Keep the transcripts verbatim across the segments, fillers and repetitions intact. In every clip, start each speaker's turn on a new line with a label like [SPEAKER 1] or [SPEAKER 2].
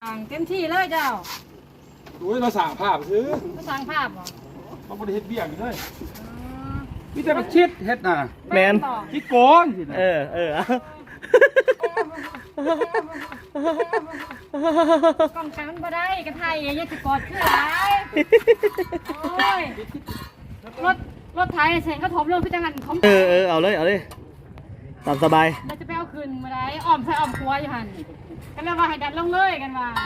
[SPEAKER 1] เต็มที่เลยเจ้า
[SPEAKER 2] โอ้ยเราสั่งภาพซื้อ
[SPEAKER 1] มาสร้างภาพเหรอ
[SPEAKER 2] เขาไม่ได้เฮ็ดเบี้ยกันเลยมีแต่มาชิดเฮ็ดน่ะ
[SPEAKER 3] แมน
[SPEAKER 2] คิดโกงสินะ
[SPEAKER 3] เออเออก
[SPEAKER 1] ล่องกันมันบ่ได้กระไทยยังจะกอดขึ้นหลายโอ้ยรถรถไถเสร็จก็ถมลงพิจารณาของ
[SPEAKER 3] เออเออเอาเลยเอาเลยตามสบาย
[SPEAKER 1] เราจะไปเอาคืนมาได้อ้อมใส่อ้อมครัวอยู่หันกันแล้วว่าให้ดันลงเลยกันว่า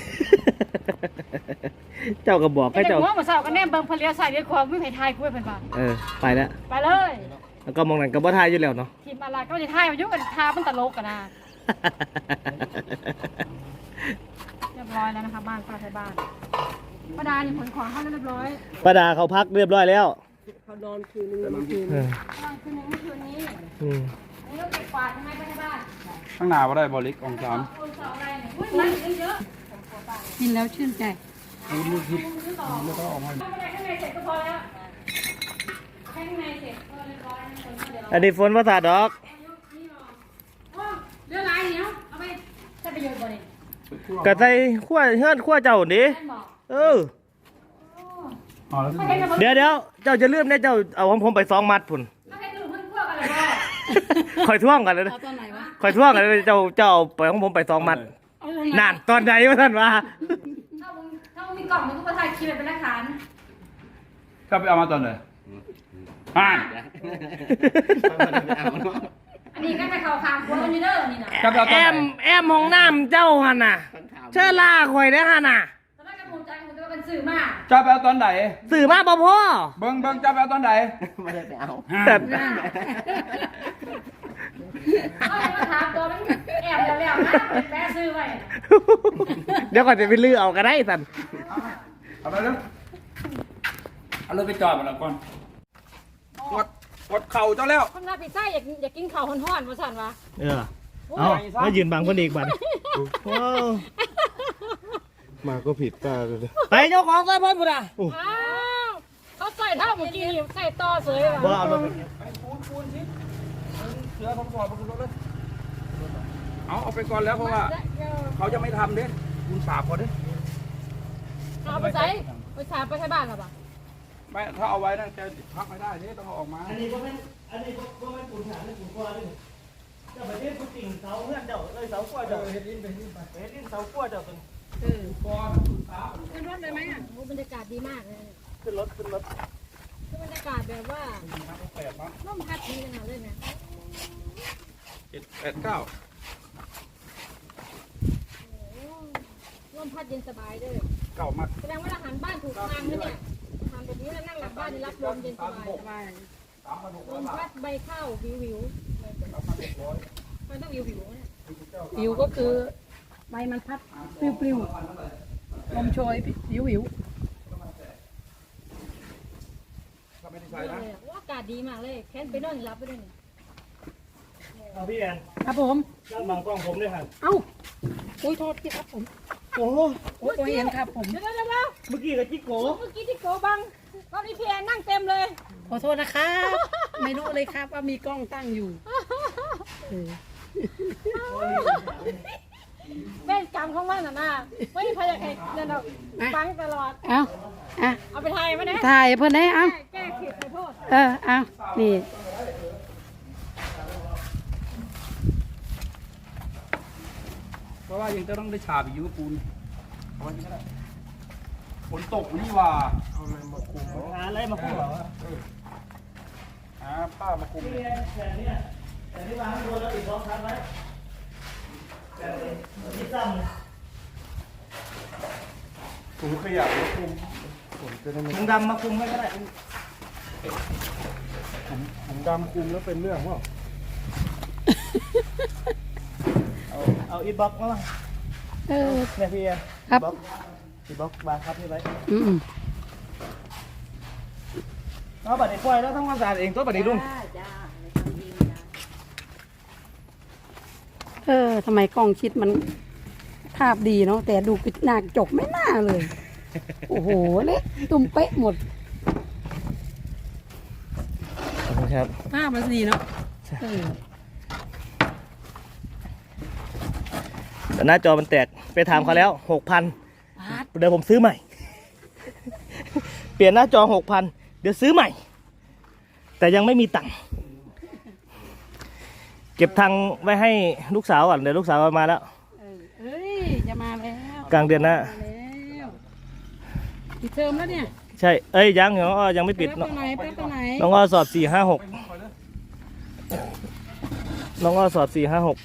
[SPEAKER 3] เจ้าก็บอกให้เจ้า
[SPEAKER 1] หัวมาเศร้ากันแน่เบิ่งเพลียวใส่ด้วยความไม่ไผ่ทายคุยเพิ่นว่า
[SPEAKER 3] เออไปแล้ว
[SPEAKER 1] ไปเลย
[SPEAKER 3] แล้วก็มองหนังกับบ่ทายอยู่แล้วเนาะ
[SPEAKER 1] ทีมอะไรก็จะทายมายุ่งกันทามันตลกกันนะเรียบร้อยแล้วนะคะบ้านป้าไทยบ้านป้าดานี่ผลของเขาเรียบร้อย
[SPEAKER 3] ป้าดาเขาพักเรียบร้อยแล้ว
[SPEAKER 1] เขานอนคืนนึงเมื่อคืนนอนคืนนึงเมื่อคืนนี้
[SPEAKER 3] อืม
[SPEAKER 1] อันนี้ก็เก็บกวาดทำไมป้าไทยบ้าน
[SPEAKER 2] ข้างหน้าบ่ได้บ่ลิกองสาม
[SPEAKER 1] กินแล้วชื่นใจ
[SPEAKER 2] คุณลูกคิดแล้วก็ออกมา
[SPEAKER 1] ข้างในเสร็จก็พอแล้วข้างในเสร็จก็เรียบร้อย
[SPEAKER 3] อันนี้ฝนภาษาดอก
[SPEAKER 1] เรื่องอะไรเนี้ยเอาไปใช้ประโยชน์บ่เนี่ย
[SPEAKER 3] กะใส่ขั้วเฮือนขั้วเจ้าดิเออเดี๋ยวเดี๋ยวเจ้าจะเลื่อมเนี่ยเจ้าเอาของผมไปสองมัดพุ่นคอยท่วงกันเลยคอยท่วงกันเลยเจ้าเจ้าไปของผมไปสองมัดนานตอนไหนวะท่านวะ
[SPEAKER 1] ถ้ามึงถ้ามึงมีกล่องมึงก็มาถ่ายคลิปเป็นหลักฐาน
[SPEAKER 2] ก็ไปเอามาตอนไหนอ่าน
[SPEAKER 1] อันนี้ก็ไปข่าวขามครัวมันอยู่เด้อนี่นะ
[SPEAKER 3] แอมแอมห้องน้ำเจ้าหันน่ะเชื่อล่าคอยได้หันน่ะ
[SPEAKER 1] ตอนนั้นกระผมใจผมจะเป็นสื่อมา
[SPEAKER 2] จะไปเอาตอนไหน
[SPEAKER 3] สื่อมาบ่พ่อ
[SPEAKER 2] เบิ้งเบิ้งจะไปเอาตอนไหน
[SPEAKER 3] ไม่ได้ไปเอา
[SPEAKER 2] แต่
[SPEAKER 1] เขาจะมาถามตัวมันแอบแล้วๆนะแม่ซื้อไว้
[SPEAKER 3] เดี๋ยวก่อนจะไปลื้อเอาก็ได้สัน
[SPEAKER 2] เอาไปเลยเอาเลยไปจอดมาแล้วก่อนกดกดเข่าเจ้าแล้ว
[SPEAKER 1] คนรับพิซซ่าอยากอยากกินข้าวฮ้อนๆว่าสั่นวะ
[SPEAKER 3] เออเอาแล้วยืนบังคนอีกบัน
[SPEAKER 2] มาก็ผิดตาเลย
[SPEAKER 3] ไปเจ้าของใส่เพิ่นบุตรอ่ะ
[SPEAKER 1] เขาใส่เท่าเมื่อกี้ใส่ต่อเสย
[SPEAKER 3] ว่ะเอาลง
[SPEAKER 2] ไปปูนปูนสิเสือผมก่อนปูนรถเลยเอาเอาไปก่อนแล้วเพราะว่าเขาจะไม่ทำเด้ปูนสาบก่อนเด้
[SPEAKER 1] เอาไปใส่ไปสาบไปใช้บ้านหรอปะ
[SPEAKER 2] ไม่ถ้าเอาไว้นั่นจะพักไม่ได้นี่ต้องเอาออกมา
[SPEAKER 3] อันนี้ก็เป็นอันนี้ก็เป็นปูนหาเป็นปูนก้อนเลยเจ้าไปเล่นปูนติ่งเสาเพื่อนเจ้าเลยเสาขั้วเจ้าเฮ็ดดินไปดินไปเฮ็ดดินเสาขั้วเจ้าเป็น
[SPEAKER 1] เออก้อนสาบขึ้นรถเลยไหมอ่ะโอ้บรรยากาศดีมากเลย
[SPEAKER 3] ขึ้นรถขึ้นรถ
[SPEAKER 1] คือบรรยากาศแบบว่าร่มพัดดีขนาดเลยนะ
[SPEAKER 2] เจ็ดแปดเก้า
[SPEAKER 1] ร่มพัดเย็นสบายด้วย
[SPEAKER 2] เก่ามาก
[SPEAKER 1] แสดงว่าเราหันบ้านถูกทางแล้วเนี่ยทำแบบนี้แล้วนั่งหลับบ้านรับลมเย็นสบายสบายลมพัดใบข้าววิววิวมันต้องวิววิวเนี่ย
[SPEAKER 4] วิวก็คือใบมันพัดปลิวปลิวลมโชยวิววิว
[SPEAKER 2] ไม่ได้ใช้นะ
[SPEAKER 1] อากาศดีมากเลยแค้นไปนอนรับไปด้วยเนี่ย
[SPEAKER 3] เอาพี่แอน
[SPEAKER 4] ครับผม
[SPEAKER 3] นั่งบังกล้องผมด้วยครับ
[SPEAKER 4] เอ้าโอ้ยโทษที่ครับผม
[SPEAKER 3] โอ้โห
[SPEAKER 4] โอ้ยเห็นครับผม
[SPEAKER 1] เดี๋ยวเดี๋ยวเดี๋ยว
[SPEAKER 3] เมื่อกี้กับจิ๊กโก
[SPEAKER 1] เมื่อกี้จิ๊กโกบังตอนนี้พี่แอนนั่งเต็มเลย
[SPEAKER 4] ขอโทษนะครับไม่รู้เลยครับว่ามีกล้องตั้งอยู่
[SPEAKER 1] แม่กรรมของมันน่ะนะไม่มีใครอยากให้เดินออกฟังตลอด
[SPEAKER 4] เอาอ่ะ
[SPEAKER 1] เอาไปถ่ายมาเนี่ย
[SPEAKER 4] ถ่ายเพื่อนได้เอา
[SPEAKER 1] แก้เขียดขอโทษ
[SPEAKER 4] เออเอานี่
[SPEAKER 2] เพราะว่ายังจะต้องได้ฉาบอีกยูปูนเอาไว้ที่ก็ได้ฝนตกนี่ว่าเอาอะไรมาคุม
[SPEAKER 3] หาอะไรมาคุมเหรอ
[SPEAKER 2] หาป้ามาคุม
[SPEAKER 3] แต่เนี่ยแต่ที่วางตัวแล้วอีกสองชั้นไว้แต่ที่ซ้
[SPEAKER 2] ำถุงขยะมาคุม
[SPEAKER 3] ถุงดำมาคุมไม่ก็ได้
[SPEAKER 2] ถุงดำคุมแล้วเป็นเรื่องว่า
[SPEAKER 3] เอาเอาอีบ็อกมา
[SPEAKER 4] เออ
[SPEAKER 3] เนี่ยพี่
[SPEAKER 4] ครับ
[SPEAKER 3] อีบ็อกบางครับพี่ไว้
[SPEAKER 4] อืม
[SPEAKER 3] เอาบัตรนี้ปล่อยแล้วต้องความสะอาดเองตัวบัตรนี้ลุง
[SPEAKER 4] เออทำไมกล้องชิดมันภาพดีเนาะแต่ดูหน้าจกไม่น่าเลยโอ้โหเละตุ้มเป๊ะหมด
[SPEAKER 3] ครับ
[SPEAKER 4] ภาพมันดีเนาะ
[SPEAKER 3] แต่หน้าจอมันแตกไปไปถามเขาแล้วหกพันเดี๋ยวผมซื้อใหม่ เปลี่ยนหน้าจอหกพันเดี๋ยวซื้อใหม่ แต่ยังไม่มีตังค์เก็บตังค์ไว้ให้ลูกสาวก่อนเดี๋ยวลูกสาวมาแล้ว
[SPEAKER 4] เออเอ้ยจะมาแล้ว
[SPEAKER 3] กลางเดือนหน้า
[SPEAKER 4] มาแล้วปิดเทอมแล้วเนี่ย
[SPEAKER 3] ใช่เอ้ยยังน้องอ้อยังไม่ปิด
[SPEAKER 4] ไป
[SPEAKER 3] น้อง
[SPEAKER 4] รับตัวไหนไปรับตัวไหน
[SPEAKER 3] น้องอ้อสอบสี่ห้าหกน้องอ้อสอบสี่ห้าหก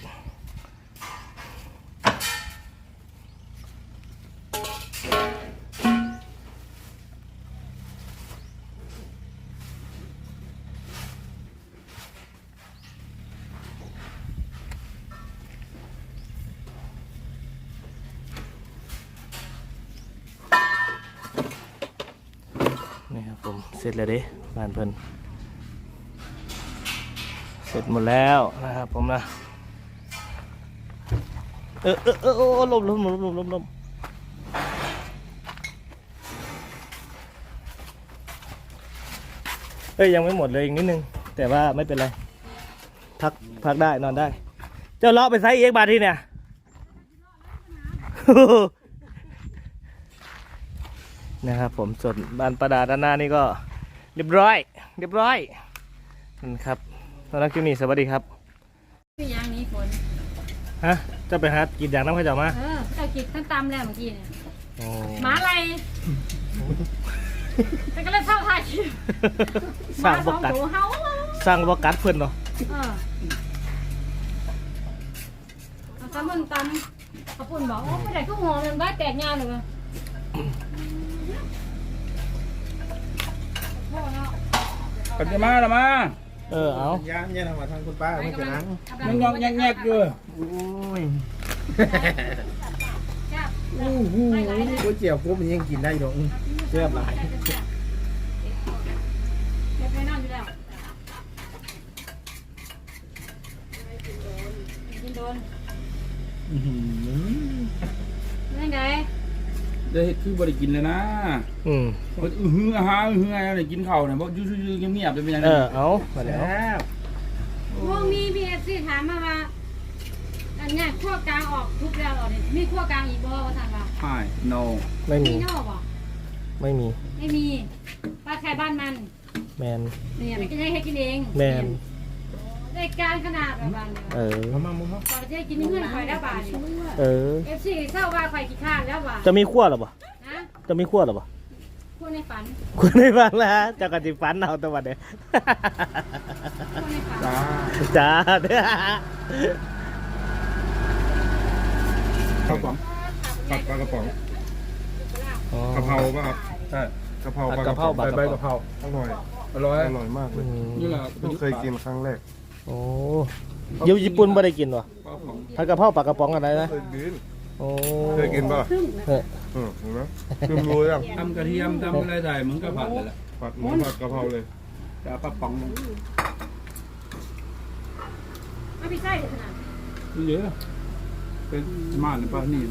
[SPEAKER 3] นี่ครับผมเสร็จแล้วเด้บ้านเพิ่นเสร็จหมดแล้วนะครับผมนะเออเออเออเออลมลมลมลมลมลมเอ้ยยังไม่หมดเลยอีกนิดนึงแต่ว่าไม่เป็นไรพักพักได้นอนได้ เจ้าเลาะไปไซส์เอ็กบาทที่เนี่ย นะครับผมส่วนบ้านประดาด้านหน้านี่ก็เรียบร้อยเรียบร้อยนะครับตอนนักคลิปนี้สวัสดีครับ
[SPEAKER 1] พี่ยางนี้ฝน
[SPEAKER 3] ฮะจะไปหากินอย่างน้ำข้าวเจ้ามา
[SPEAKER 1] เออเอากินทั้งตำแล้วเมื่อกี้เนี่ย
[SPEAKER 3] โอ้
[SPEAKER 1] หมาอะไรแต่ก็เลยเท่าไทย
[SPEAKER 3] สร้าง
[SPEAKER 1] ส
[SPEAKER 3] บ
[SPEAKER 1] อง
[SPEAKER 3] กัด
[SPEAKER 1] ตัวเฮา
[SPEAKER 3] สร้างบกัดเพื่อนเนาะ
[SPEAKER 1] เออเอาตำมันตำเอาปุ่นบอกโอ้ไม่ได้ก็หอมมันบ้าแตกงานเลยว่ะพ่อเนาะ
[SPEAKER 2] ปัจจมาละมา
[SPEAKER 3] เออเอา
[SPEAKER 5] ย่างเนี่ยทำมาทางคุณป้าไม่เป็นนัง
[SPEAKER 2] ยังยองแงกๆอยู่
[SPEAKER 5] โอ้ย
[SPEAKER 1] จ้า
[SPEAKER 5] อู้หูก๋วยเตี๋ยวกุ้งมันยังกินได้ดอกเชื่อหลาย
[SPEAKER 1] เก็บไว้นอนอยู่แล้วกินโดน
[SPEAKER 5] อื้อหือ
[SPEAKER 1] นั่นไง
[SPEAKER 2] ได้เฮ็ดคือบริกินเลยนะ
[SPEAKER 3] อืม
[SPEAKER 2] ว่าอื้อหืออาหารอื้อหืออะไรกินข้าวเนี่ยบอกอยู่ๆๆเงียบๆเป็นยังไง
[SPEAKER 3] เออเอามาแล้ว
[SPEAKER 5] แซ่บ
[SPEAKER 1] พวกมีพีเอฟซีถามมาว่าอันเนี้ยขั้วกลางออกทุกแล้วเหรอเนี่ยมีขั้วกลางอีกบ่ว่าถามว่า
[SPEAKER 2] ใช่ no
[SPEAKER 3] ไม่มี
[SPEAKER 1] มีนอกบ่
[SPEAKER 3] ไม่มี
[SPEAKER 1] ไม่มีบ้านใครบ้านมัน
[SPEAKER 3] แมน
[SPEAKER 1] เนี่ยมันก็ได้แค่กินเอง
[SPEAKER 3] แมน
[SPEAKER 1] ได้การขนาดแบบบ้าน
[SPEAKER 3] เออ
[SPEAKER 5] มามามุ้งเขา
[SPEAKER 1] ก่อนจะได้กินเงื่อนไขแล้วบาท
[SPEAKER 3] เออ
[SPEAKER 1] เอฟซีเศร้าว่าไฟกี่ข้านแล้วว่ะ
[SPEAKER 3] จะมีขั้วหรอปะ
[SPEAKER 1] นะ
[SPEAKER 3] จะมีขั้วหรอปะ
[SPEAKER 1] พูดในฝัน
[SPEAKER 3] คุณไม่ฟังแล้วฮะเจ้ากะติฟันเอาตัววันเนี้ย
[SPEAKER 1] พูดในฝัน
[SPEAKER 2] จ้า
[SPEAKER 3] จ้าเด้อ
[SPEAKER 2] ข้าวป๋องผัดปลากระป๋องกะเพราป่ะครับใช่กะเพรา
[SPEAKER 3] ผัดกะเพราบัก
[SPEAKER 2] ใส่
[SPEAKER 3] กะ
[SPEAKER 2] ใบ
[SPEAKER 3] เพ
[SPEAKER 2] กะเพ
[SPEAKER 3] รา
[SPEAKER 2] รา
[SPEAKER 5] อร่อย
[SPEAKER 2] อร่อย
[SPEAKER 5] อร่อยมากเล
[SPEAKER 3] อื
[SPEAKER 5] ย
[SPEAKER 3] ม
[SPEAKER 2] นี่แหละ
[SPEAKER 5] เพิ่งเคยกินครั้งแรก
[SPEAKER 3] โอ้อยูญี่ปุ่นไม่ได้กินวะ
[SPEAKER 2] ปลากระป๋อง
[SPEAKER 3] ผัดกะเพราปลากระป๋องอะไรนะ
[SPEAKER 5] เคยกิน
[SPEAKER 3] โอ้
[SPEAKER 5] เคยกินป่ะ
[SPEAKER 3] เออ
[SPEAKER 5] อืมเห็นไหมคือรู้ยัง
[SPEAKER 2] ทำกระเทียมทำอะไรได้เหมือนกับผัดเลยแหละ
[SPEAKER 5] ผัดหมูผัดกะเพราเลย
[SPEAKER 2] แต่เอาปลาป๋องลง
[SPEAKER 1] ไม่พี่ไส้เด็ดขนาด
[SPEAKER 2] เยอะเป็นม่านหรือเปล่านี่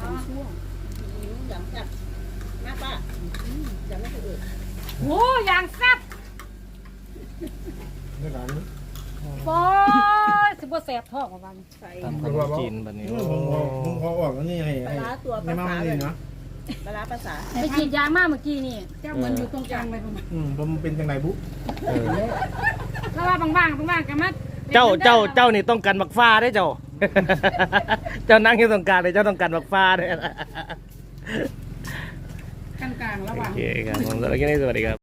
[SPEAKER 1] โอ้ยางแซ่บ
[SPEAKER 5] ไม่ร้านนี้
[SPEAKER 1] โอ้ยสิบ่แสบท้องว่าบ้าน
[SPEAKER 3] ตำขนมจีนแบบนี้
[SPEAKER 5] อื
[SPEAKER 3] โอ้
[SPEAKER 5] มผมพอผมพอออกแล้วนี่ให้ให้ในมามันนี่เนาะ
[SPEAKER 6] ปลาร้าภาษา
[SPEAKER 1] ไปฉีดยางมาเมื่อกี้นี่
[SPEAKER 4] เจ้าเหมือนอยู่ตรงกลางไปผม
[SPEAKER 5] อืมผมเป็นจังไรบุ
[SPEAKER 3] เออ
[SPEAKER 1] แล้วว่าบางๆบางๆกันมา
[SPEAKER 3] เจ้าเจ้าเจ้านี่ต้องการบักฟ้าได้เจ้า เจ้านั่งอยู่ตรงกลางเลยเจ้าต้องการบักฟ้าด้วย
[SPEAKER 4] กลางๆระห
[SPEAKER 3] โอ
[SPEAKER 4] ว่าง
[SPEAKER 3] เคครับผมสำหรับคลิปนี้สวัสดีครับ